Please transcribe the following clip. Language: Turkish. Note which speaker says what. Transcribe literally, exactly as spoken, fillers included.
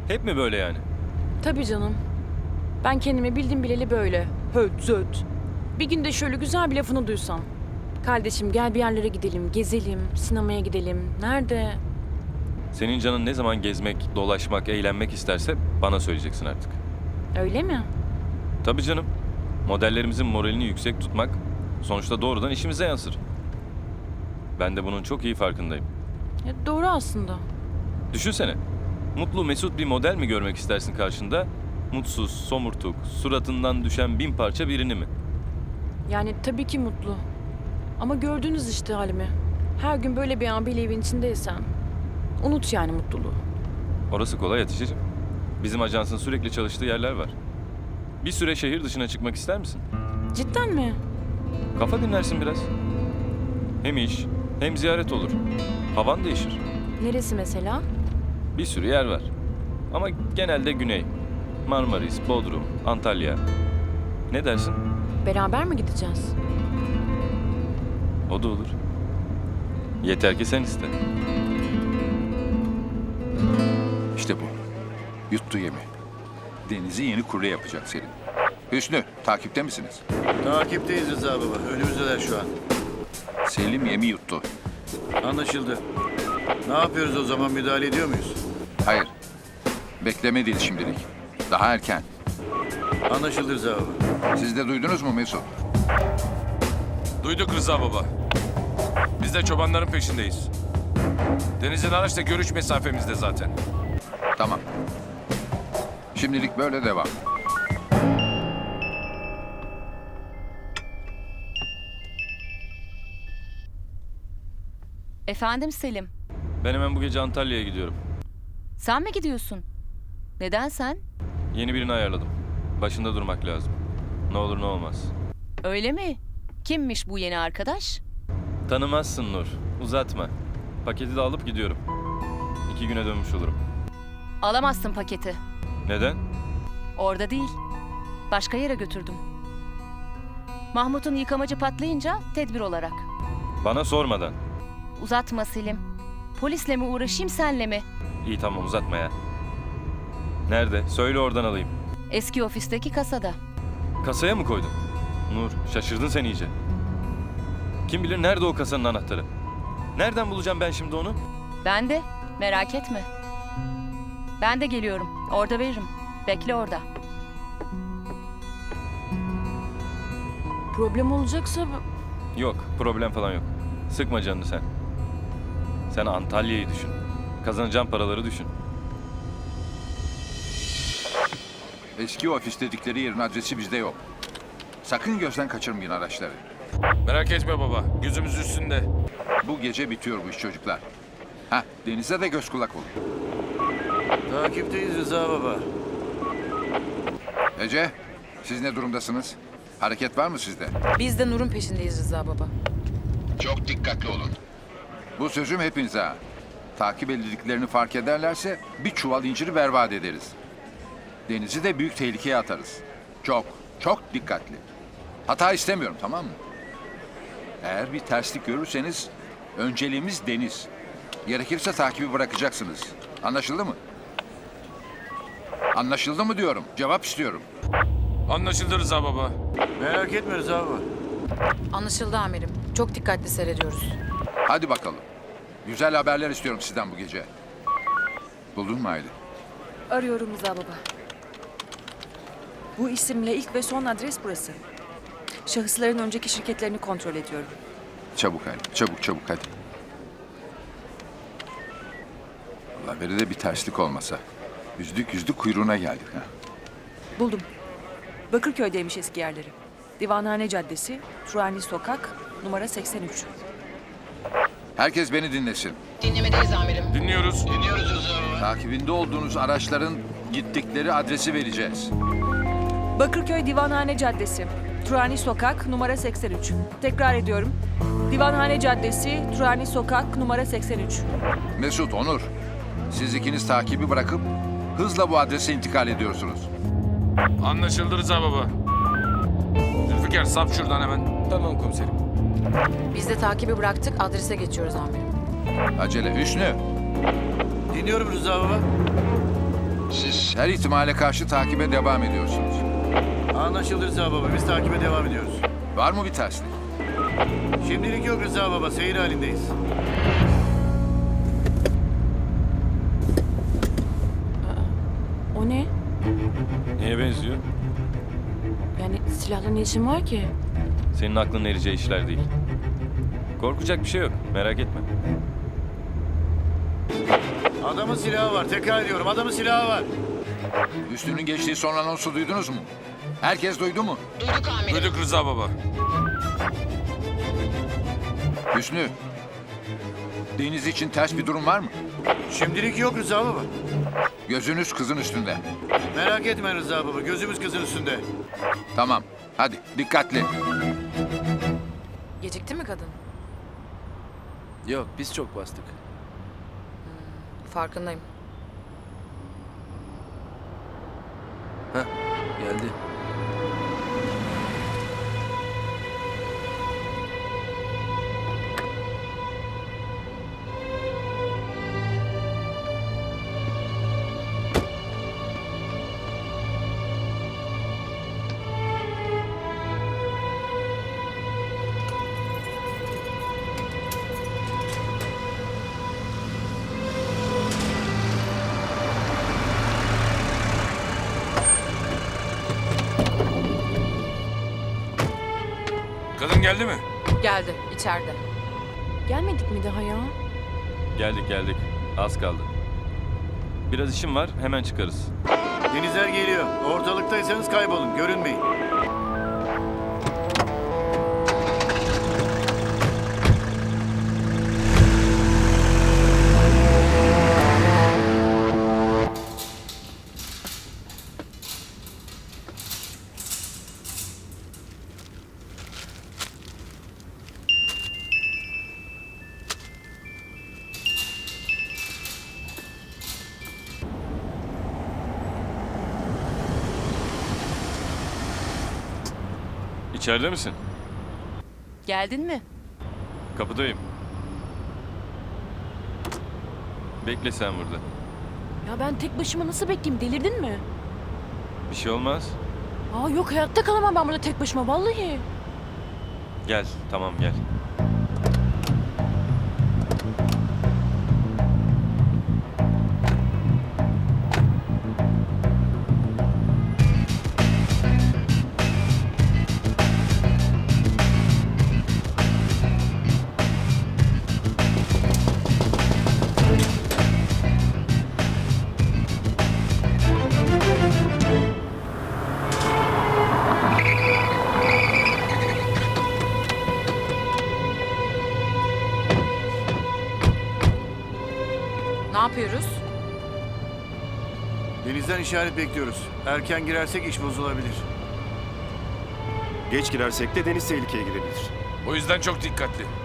Speaker 1: Hep mi böyle yani?
Speaker 2: Tabii canım. Ben kendimi bildim bileli böyle. Höt zöt. Bir günde şöyle güzel bir lafını duysam. Kardeşim gel bir yerlere gidelim, gezelim, sinemaya gidelim. Nerede?
Speaker 1: Senin canın ne zaman gezmek, dolaşmak, eğlenmek isterse bana söyleyeceksin artık.
Speaker 2: Öyle mi?
Speaker 1: Tabii canım. Modellerimizin moralini yüksek tutmak sonuçta doğrudan işimize yansır. Ben de bunun çok iyi farkındayım.
Speaker 2: Ya doğru aslında.
Speaker 1: Düşünsene. Mutlu mesut bir model mi görmek istersin karşında? Mutsuz, somurtuk, suratından düşen bin parça birini mi?
Speaker 2: Yani tabii ki mutlu. Ama gördünüz işte halimi. Her gün böyle bir abiyle evin içindeysen. Unut yani mutluluğu.
Speaker 1: Orası kolay Hatice'cim. Bizim ajansın sürekli çalıştığı yerler var. Bir süre şehir dışına çıkmak ister misin?
Speaker 2: Cidden mi?
Speaker 1: Kafa dinlersin biraz. Hem iş, hem ziyaret olur. Havan değişir.
Speaker 2: Neresi mesela?
Speaker 1: Bir sürü yer var. Ama genelde güney. Marmaris, Bodrum, Antalya. Ne dersin?
Speaker 2: Beraber mi gideceğiz?
Speaker 1: O da olur. Yeter ki sen iste.
Speaker 3: İşte bu. Yuttu yemi. Deniz'i yeni kule yapacak Selim. Hüsnü, takipte misiniz?
Speaker 4: Takipteyiz Rıza baba. Önümüzdeler şu an.
Speaker 3: Selim yemi yuttu.
Speaker 4: Anlaşıldı. Ne yapıyoruz o zaman? Müdahale ediyor muyuz?
Speaker 3: Hayır. Bekleme değil şimdilik. Daha erken.
Speaker 4: Anlaşıldı Rıza baba.
Speaker 3: Siz de duydunuz mu Mesut?
Speaker 5: Duyduk Rıza baba. Biz de çobanların peşindeyiz. Deniz'in araçla görüş mesafemizde zaten.
Speaker 3: Tamam. Şimdilik böyle devam.
Speaker 6: Efendim Selim,
Speaker 1: Ben hemen bu gece Antalya'ya gidiyorum.
Speaker 6: sen mi gidiyorsun? Neden sen?
Speaker 1: Yeni birini ayarladım. Başında durmak lazım. Ne olur ne olmaz.
Speaker 6: Öyle mi? Kimmiş bu yeni arkadaş?
Speaker 1: Tanımazsın Nur. Uzatma. Paketi de alıp gidiyorum. İki güne dönmüş olurum.
Speaker 6: Alamazsın paketi.
Speaker 1: Neden?
Speaker 6: Orada değil. Başka yere götürdüm. Mahmut'un yıkamacı patlayınca tedbir olarak.
Speaker 1: Bana sormadan.
Speaker 6: Uzatma Selim. Polisle mi uğraşayım senle mi?
Speaker 1: İyi tamam uzatma ya. Nerede? Söyle oradan alayım.
Speaker 6: Eski ofisteki kasada.
Speaker 1: Kasaya mı koydun? Nur şaşırdın sen iyice. Kim bilir nerede o kasanın anahtarı? Nereden bulacağım ben şimdi onu?
Speaker 6: Ben de. Merak etme. Ben de geliyorum. Orada veririm. Bekle orada.
Speaker 2: Problem olacaksa
Speaker 1: Yok problem falan yok. Sıkma canını sen. Sen Antalya'yı düşün. Kazanacağın paraları düşün.
Speaker 3: Eski ofis dedikleri yerin adresi bizde yok. Sakın gözden kaçırmayın araçları.
Speaker 5: Merak etme baba. Gözümüz üstünde.
Speaker 3: Bu gece bitiyor bu iş çocuklar. Hah, Deniz'e de göz kulak olun.
Speaker 4: Takipteyiz Rıza baba.
Speaker 3: Ece, siz ne durumdasınız? Hareket var mı sizde?
Speaker 2: biz de Nur'un peşindeyiz Rıza baba.
Speaker 3: Çok dikkatli olun. Bu sözüm hepinize ha. Takip edildiklerini fark ederlerse bir çuval inciri berbat ederiz. Deniz'i de büyük tehlikeye atarız. Çok, çok dikkatli. Hata istemiyorum, tamam mı? Eğer bir terslik görürseniz önceliğimiz Deniz. Gerekirse takibi bırakacaksınız. Anlaşıldı mı? Anlaşıldı mı diyorum. Cevap istiyorum.
Speaker 5: Anlaşıldı Rıza baba.
Speaker 4: Merak etme Rıza baba.
Speaker 2: Anlaşıldı amirim. Çok dikkatli seyrediyoruz.
Speaker 3: Hadi bakalım. Güzel haberler istiyorum sizden bu gece. Buldun mu Aylin?
Speaker 7: Arıyorum Rıza baba. Bu isimle ilk ve son adres burası. Şahısların önceki şirketlerini kontrol ediyorum.
Speaker 3: Çabuk Aylin, çabuk çabuk hadi. Allah veri de bir terslik olmasa. Yüzlük yüzlük kuyruğuna geldik ha.
Speaker 7: Buldum. Bakırköy'deymiş eski yerleri. Divanhane Caddesi, Turani Sokak, numara seksen üç.
Speaker 3: Herkes beni dinlesin.
Speaker 5: Dinliyoruz.
Speaker 3: Takibinde olduğunuz araçların gittikleri adresi vereceğiz.
Speaker 7: Bakırköy Divanhane Caddesi, Turani Sokak, numara seksen üç. Tekrar ediyorum. Divanhane Caddesi, Turani Sokak, numara seksen üç.
Speaker 3: Mesut, Onur, siz ikiniz takibi bırakıp hızla bu adrese intikal ediyorsunuz.
Speaker 5: Anlaşıldı Rıza baba. Zülfikar sap şuradan hemen.
Speaker 1: Tamam komiserim.
Speaker 2: Biz de takibi bıraktık, adrese geçiyoruz amirim.
Speaker 3: Acele Hüsnü,
Speaker 4: Dinliyorum Rıza baba.
Speaker 3: Her ihtimale karşı takibe devam ediyorsunuz.
Speaker 4: Anlaşıldı Rıza baba. Biz takibe devam ediyoruz.
Speaker 3: Var mı bir terslik?
Speaker 4: Şimdilik yok Rıza baba. Seyir halindeyiz.
Speaker 2: O ne?
Speaker 1: Neye benziyor?
Speaker 2: Yani silahla ne işin var ki?
Speaker 1: Senin aklın ereceği işler değil. Korkacak bir şey yok. Merak etme.
Speaker 4: Adamın silahı var. Tekrar ediyorum. Adamın silahı var.
Speaker 3: Üstünün geçtiği son anonsu duydunuz mu? Herkes duydu mu?
Speaker 5: Duyduk Rıza baba.
Speaker 3: Hüsnü, Deniz için ters bir durum var mı?
Speaker 4: Şimdilik yok Rıza baba.
Speaker 3: Gözünüz kızın üstünde.
Speaker 4: Merak etme Rıza baba. Gözümüz kızın üstünde.
Speaker 3: Tamam, hadi dikkatli.
Speaker 8: Gecikti mi kadın?
Speaker 9: Yok biz çok bastık.
Speaker 8: Farkındayım.
Speaker 9: Heh geldi.
Speaker 5: Kadın geldi mi?
Speaker 8: Geldi, içeride.
Speaker 2: Gelmedik mi daha ya?
Speaker 1: Geldik geldik. Az kaldı. Biraz işim var. Hemen çıkarız.
Speaker 4: Denizler geliyor. Ortalıktaysanız kaybolun. Görünmeyin.
Speaker 1: İçeride misin?
Speaker 6: Geldin mi?
Speaker 1: Kapıdayım. Bekle sen burada.
Speaker 2: Ya ben tek başıma nasıl bekleyeyim? Delirdin mi?
Speaker 1: Bir şey olmaz.
Speaker 2: Aa yok, hayatta kalamam ben burada tek başıma vallahi.
Speaker 1: Gel. Tamam gel.
Speaker 8: Ne yapıyoruz?
Speaker 4: Denizden işaret bekliyoruz. Erken girersek iş bozulabilir.
Speaker 10: Geç girersek de deniz tehlikeye girebilir.
Speaker 5: O yüzden çok dikkatli.